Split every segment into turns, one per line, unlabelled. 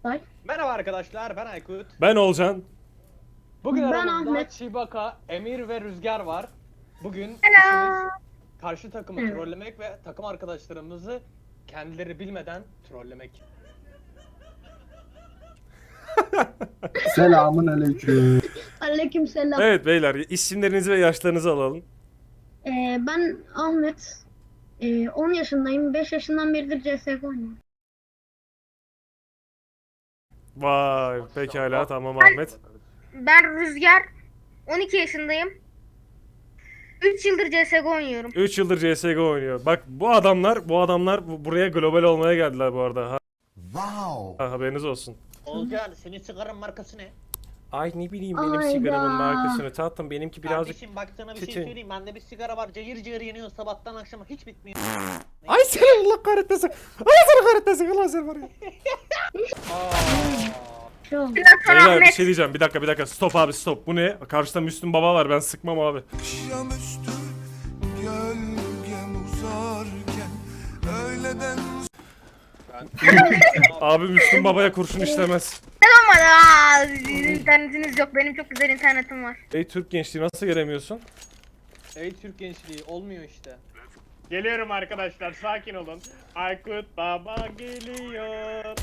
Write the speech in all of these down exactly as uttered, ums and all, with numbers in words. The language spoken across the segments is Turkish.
Oktay.
Merhaba arkadaşlar, ben Aykut.
Ben Olcan.
Bugün
Ben
aramızda
Ahmet.
Chewbacca, Emir ve Rüzgar var. Bugün
Hello.
işimiz karşı takımı
Evet.
trollemek ve takım arkadaşlarımızı kendileri bilmeden trollemek.
Selamun aleyküm.
Aleykümselam.
Evet beyler, isimlerinizi ve yaşlarınızı alalım.
Ee, ben Ahmet. Ee, on yaşındayım. beş yaşından beridir C S G O oynuyorum.
Vay pekala, tamam Ahmet.
Ben Rüzgar. on iki yaşındayım. üç yıldır C S G O oynuyorum.
üç yıldır C S G O oynuyor. Bak bu adamlar, bu adamlar bu- buraya global olmaya geldiler bu arada. Ha,
Wow.
ha, haberiniz olsun.
Olcan, senin sigaranın markası ne?
Ay ne bileyim benim
Ayda.
sigaramın markasını tatlım, benimki birazcık...
Kardeşim bak sana bir şey
kötü.
söyleyeyim. Bende bir sigara var, cayır cayır yanıyor sabahtan akşama hiç bitmiyor.
Ay seni Allah kahretmesin. Allah seni kahretmesin. Allah seni var ya.
Aa.
Şu.
Biraz sonra
Beyler bir
Ahmet.
şey diyeceğim. Bir dakika bir dakika. Stop abi stop. Bu ne? Karşıda Müslüm Baba var. Ben sıkmam abi.
Akşamüstü gölgem uzarken öğleden
Abi Müslüm Baba'ya kurşun işlemez.
Ama aa, internetiniz yok. Benim çok güzel internetim var.
Ey Türk gençliği, nasıl göremiyorsun?
Ey Türk gençliği, olmuyor işte. Geliyorum arkadaşlar, sakin olun. Aykut Baba geliyor.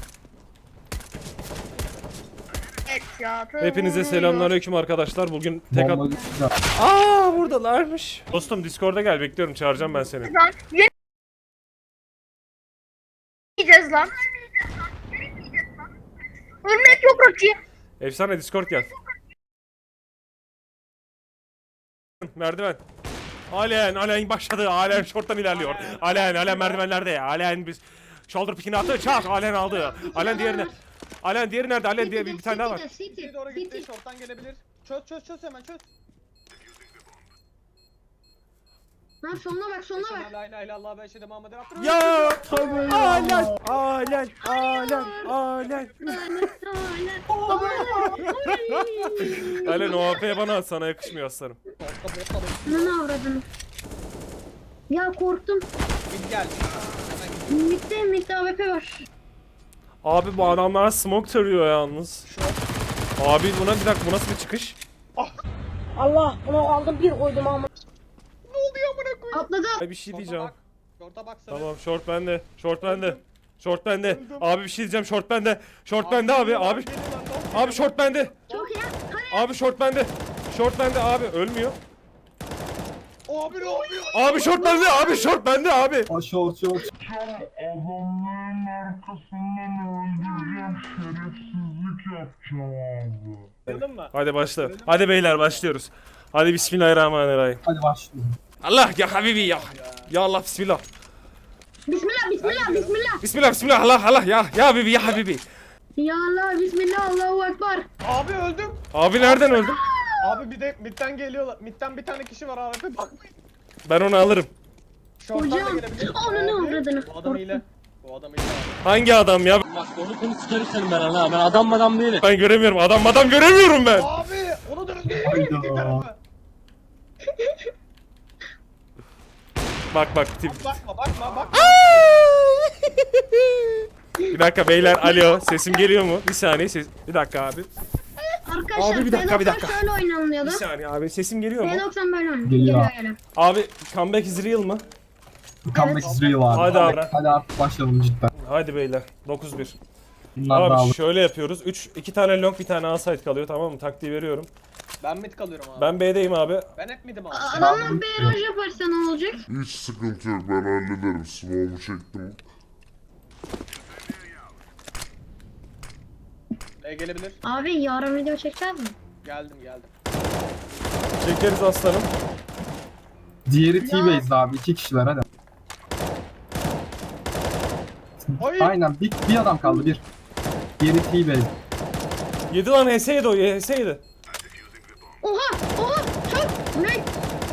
Evet ya.
Hepinize selamünaleyküm arkadaşlar. Bugün tek at...
Bomba düştü.
Aa buradalarmış. Dostum Discord'a gel, bekliyorum, çağıracağım ben seni.
Lan yeni yiyeceğiz lan. Örnek yok Rocky.
Efsane Discord gel. Merdiven. Alen, Alen başladı. Alen short'tan ilerliyor. Alen, Alen merdivenlerde. Alen biz shoulder pick'ini attı. Çak, Alen aldı. Alen diğerine. Alen diğeri nerede? Alen diye bir, bir tane daha var.
City, City,
Bir doğru gitti,
City.
şorttan gelebilir. Çöz çöz çöz hemen çöz.
Ha, sonuna bak, sonuna
Eşhedü
bak.
en la ilahe illallah ve eşhedü Muhammeden Abdülhamid.
Ya! Alen, Alen, Alen, Alen. Alen o A P'ye bana at, sana yakışmıyor aslanım.
Ne avradını? Ya korktum.
Git gel.
Mitte mitte A W P var.
Abi bu adamlar smoke tarıyor yalnız. Abi buna bir dakika, bu nasıl bir çıkış?
Allah bunu aldım bir koydum ama.
Ne oluyor amına koyayım?
Atladı.
Ay bir şey diyeceğim.
Bak. Şorta bak sana.
Tamam short bende. Short bende. Short bende. Abi bir şey diyeceğim, short bende. Short bende abi. Abi abi short bende.
Çok iyi. Hadi.
Abi short bende. Short bende abi, ölmüyor.
Abi ne oluyor?
Abi short bende. Abi short bende abi.
O short short.
adamların arkasından öldüreceğim, şerefsizlik yapacağım abi.
Anladın mı?
Hadi başla. Hadi beyler başlıyoruz. Hadi bismillahirrahmanirrahim.
Hadi başlayalım.
Allah ya habibi ya. Ya Allah bismillah.
Bismillah, bismillah, bismillah.
Bismillah bismillah Allah Allah ya. Ya habibi ya habibi.
Ya Allah, bismillah, Allahu Ekber.
Abi öldüm.
Abi nereden öldün?
Abi bir de midden geliyorlar. Midden bir tane kişi var abi. Bakmayın.
Ben onu alırım.
Şorttan da
Hocam,
gelebilir.
onu ne
Abi,
avradını?
Bu adam ile. Bu adam ile abi.
Hangi adam ya?
Bak onu konu sikerim ben ha. Ben adam madam değilim.
Ben göremiyorum. Adam adam göremiyorum ben.
Abi onu da öldürdü.
Hayda.
İki tarafı.
Bak bak tip.
Bakma bakma bakma.
Bir dakika beyler, alo, sesim geliyor mu? Bir saniye ses. Bir dakika abi.
Arkadaşlar,
Abi bir dakika, bir
P doksan
dakika.
şöyle oynanıyordu.
Bir saniye abi, sesim geliyor mu?
P doksan böyle oynanıyor.
Geliyor.
Geliyor, geliyor.
Abi comeback is real mı?
Comeback is real abi.
Hadi abi.
Hadi artık başlayalım cidden.
Hadi beyler, dokuz bir.
Bunlar da
Abi
alır.
şöyle yapıyoruz. üç iki tane long, bir tane outside kalıyor, tamam mı? Taktiği veriyorum.
Ben mid kalıyorum abi.
Ben B'deyim abi.
Ben hep mid'im abi.
Adamlar baraj yaparsa ne olacak?
Hiç sıkıntı yok, ben hallederim. Smoke'u çektim.
E gelebilir.
Abi yarın video çekeceğiz mi?
Geldim geldim.
Çekeriz aslanım.
Diğeri T-Base abi. İki kişiler hadi.
Hayır.
Aynen bir, bir adam kaldı bir. Diğeri T-Base.
Yedi lan, H S yedi o, H S yedi.
Oha! Oha! Çok! Ne?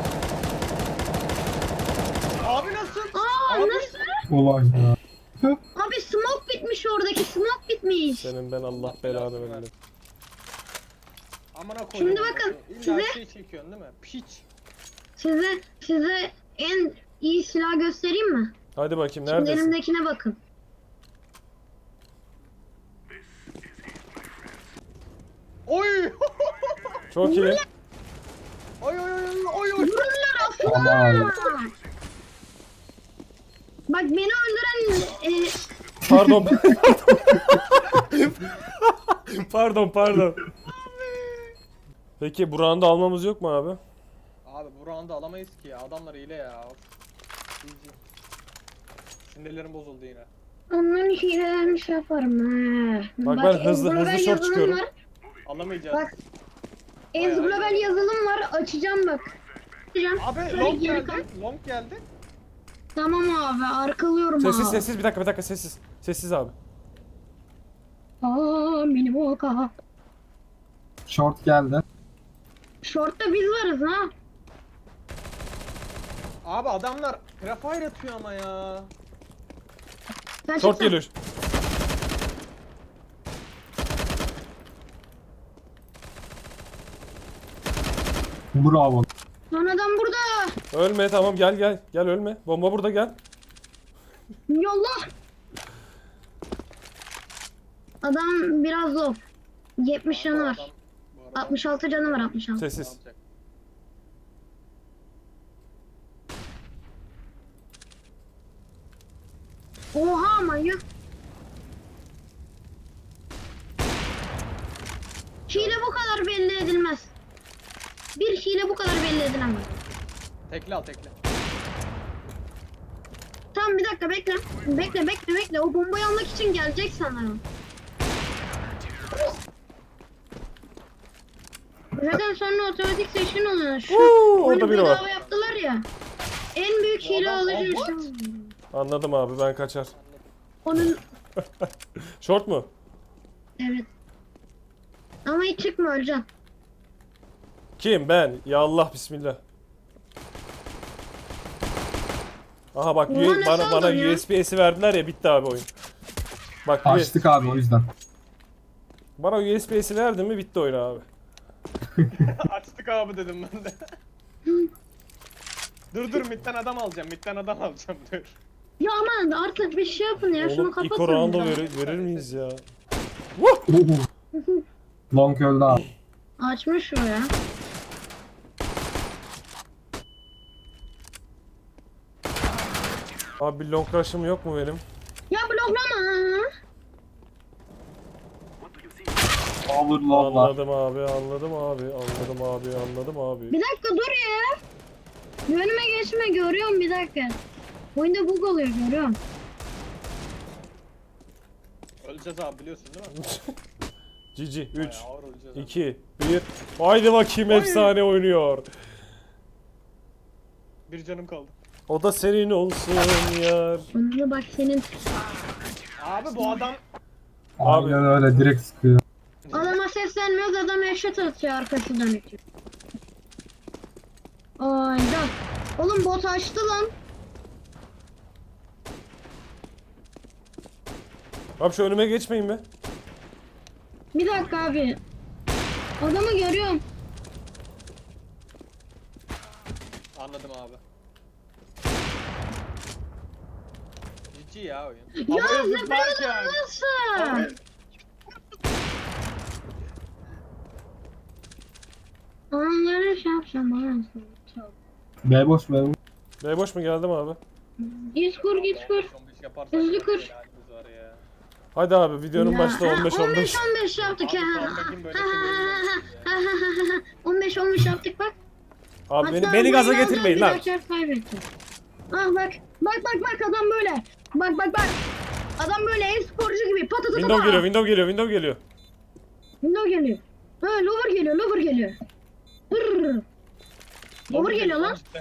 Abi nasıl?
Aa
Abi.
nasıl?
Olay ya.
Abi smoke bitmiş oradaki, smoke bitmiş.
Senin ben Allah belanı versin.
Amına koydum.
Şimdi bakın,
İlla
size-
şey çekiyorsun değil mi? Piç.
Size, size en iyi silah göstereyim mi?
Hadi bakayım,
Şimdi
neredesin?
elimdekine bakın.
Çok iyi.
Oy oy oy oy oy.
Vururlar aslan.
Aman.
Bak beni öldüren e,
Pardon. Pardon pardon. Peki bu round'u almamız yok mu abi?
Abi bu round'u alamayız ki ya. Adamlar hile ya. G G. Sinirlerim bozuldu yine.
onların hilelerini şey yaparım ha.
Bak ben hızlı-
Ezglobal
hızlı short
yazılım
çıkıyorum.
var.
Alamayacağız.
Bak. Ezglobal yazılım var. Açacağım bak. Açacağım.
Abi
Şöyle
long
geri
geldi.
koy.
Long geldi.
Tamam abi arkalıyorum
Sessiz
abi.
sessiz bir dakika bir dakika sessiz. Sessiz abi.
Aa mini boka.
Short geldi.
Short'ta biz varız ha.
Abi adamlar Crafire atıyor ama ya.
Sen
Short
çıksana.
geliyor.
Bravo.
Son adam burada.
Ölme tamam gel gel. Gel ölme. Bomba burada gel.
Yallah. Adam biraz low. yetmiş canı var.
Bu adam- bu arada
altmış altı canı var altmış altı.
ne
Sessiz.
yapacak?
Oha manyak. Hile bu kadar belli edilmez. Bir hile bu kadar belli edilemez.
Tekle al tekle.
Tamam bir dakika bekle. Bekle bekle bekle. O bombayı almak için gelecek sanırım. Zaten sonra otomatik seçkin oluyor. Şu
Uuu,
oyunu
orada biri var.
bedava yaptılar ya. En büyük
Bu
hile
adam-
alıcı
Oh,
şu.
what?
Anladım abi ben kaçar.
Onun
Short mu?
evet. Ama hiç çıkma Özcan.
Kim? Ben. Ya Allah bismillah. Aha bak
Ulan
U-
ne
bana
sandın
bana
ya?
U S B S'i verdiler ya bitti abi oyun. Bak U-
Açtık abi o yüzden.
bana U S B S'i verdin mi bitti oyun abi.
Açtık abi dedim ben de. dur dur midden adam alacağım. Midden adam alacağım dur.
Ya aman artık bir şey yapın ya. Şunu
Oğlum
kapatın.
Iko round'u
ya.
verir, verir miyiz ya?
Oo. Long öldü abi.
Açmış o ya.
Abi bir long rush'ım yok mu benim?
Ya bloklama.
Overload var.
Anladım abi, anladım abi, anladım abi, anladım abi.
Bir dakika dur ya. Önüme geçme görüyorum bir dakika. Oyunda bug oluyor görüyorum.
Öleceğiz abi biliyorsun değil mi?
G G üç,
Bayağı ağır öleceğiz abi.
iki, bir. Haydi bakayım efsane oynuyor.
Bir canım kaldı.
O da senin olsun yar.
Bunu bak senin.
Abi bu adam
Abi.
Aynen öyle direkt sıkıyor.
Adama seslenmiyoruz adam eşit atıyor arkası dönük. Ayda. Oğlum bot açtı lan.
Abi şu önüme geçmeyin be.
Bir dakika abi. Adamı görüyorum.
anladım abi. Cici ya oyun.
Ya
Havaya
ne
zıplarken.
böyle nasıl? Onları şey yapacağım bana.
B boş B boş.
B boş mu geldim abi?
Git kur git kur.
on beş yaparsak
Hızlı kır.
helalimiz var ya.
Hadi abi videonun
Ya,
başta
ha,
on beş on beş.
on beş yaptık
Abi
ya.
Sandak'in böyle sinirlenmesi
on beş on beş yaptık bak.
Abi beni,
Hatta
beni gaza
oyunu
getirmeyin
alacağız,
lan.
bir dakika kaybettik. Ah bak. Bak bak bak adam böyle. Bak bak bak. Adam böyle e-sporcu gibi patatata.
Window geliyor, window geliyor, window geliyor.
Window geliyor. Ha lover geliyor lover geliyor. Hırr. Lover geliyor lan.
cidden.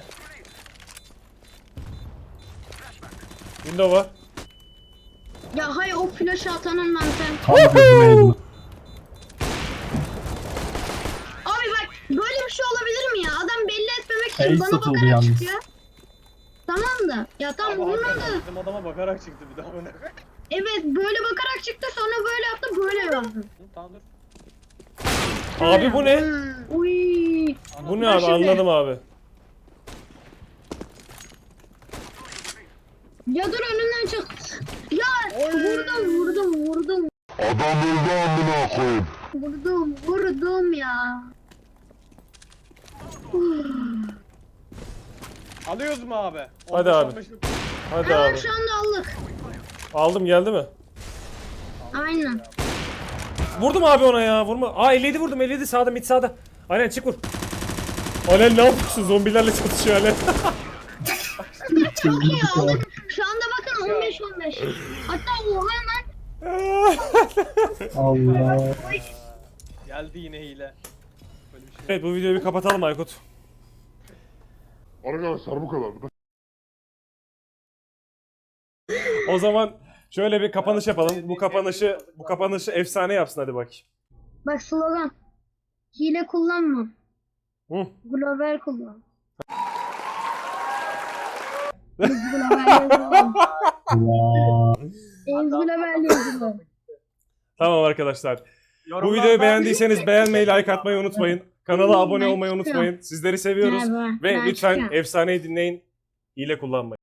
Window var.
Ya hay o flash atanın lan sen.
Tam gözüme yedi.
Abi bak böyle bir şey olabilir mi ya? Adam belli etmemek için
Ace
bana
satıldı
bakarak
yalnız.
çıkıyor. Tamam da. Ya tam
Abi
bunun
hakikaten
da.
bizim adama bakarak çıktı bir daha.
Evet böyle bakarak çıktı sonra böyle yaptı böyle yaptı.
Tamam dur.
Abi bu ne?
Uy.
Bu ne
Bak
abi
şimdi.
anladım abi.
Ya dur önünden çık. Ya vurdum vurdum vurdum.
Adam öldü amına koyayım.
Vurdum vurdum ya.
Alıyoruz mu abi?
Hadi abi. Hadi
Hemen
abi.
şu anda aldık.
Aldım geldi mi?
Aynen.
Vurdum abi ona ya vurma. Aa elli yedi vurdum elli yedi sağda mid sağda. Alen çık vur. Alen ne yapıyorsun zombilerle çatışıyor Alen.
Çok iyi aldık. Şu anda bakın on beş on beş. Hatta oha hemen.
Allah.
Geldi yine hile. Böyle bir şey.
Evet bu videoyu bir kapatalım Aykut.
Arkadaşlar bu kadar.
O zaman şöyle bir kapanış yapalım. Bu kapanışı bu kapanışı efsane yapsın hadi bak.
Bak slogan. Hile kullanma.
Hı.
Global kullan. Biz global yazalım. Biz global yazalım.
Tamam arkadaşlar. Bu videoyu beğendiyseniz beğenmeyi, like atmayı unutmayın. Kanala abone olmayı unutmayın. Sizleri seviyoruz
Merhaba,
ve
ben
lütfen
çıkıyorum.
efsaneyi dinleyin. Hile kullanmayın.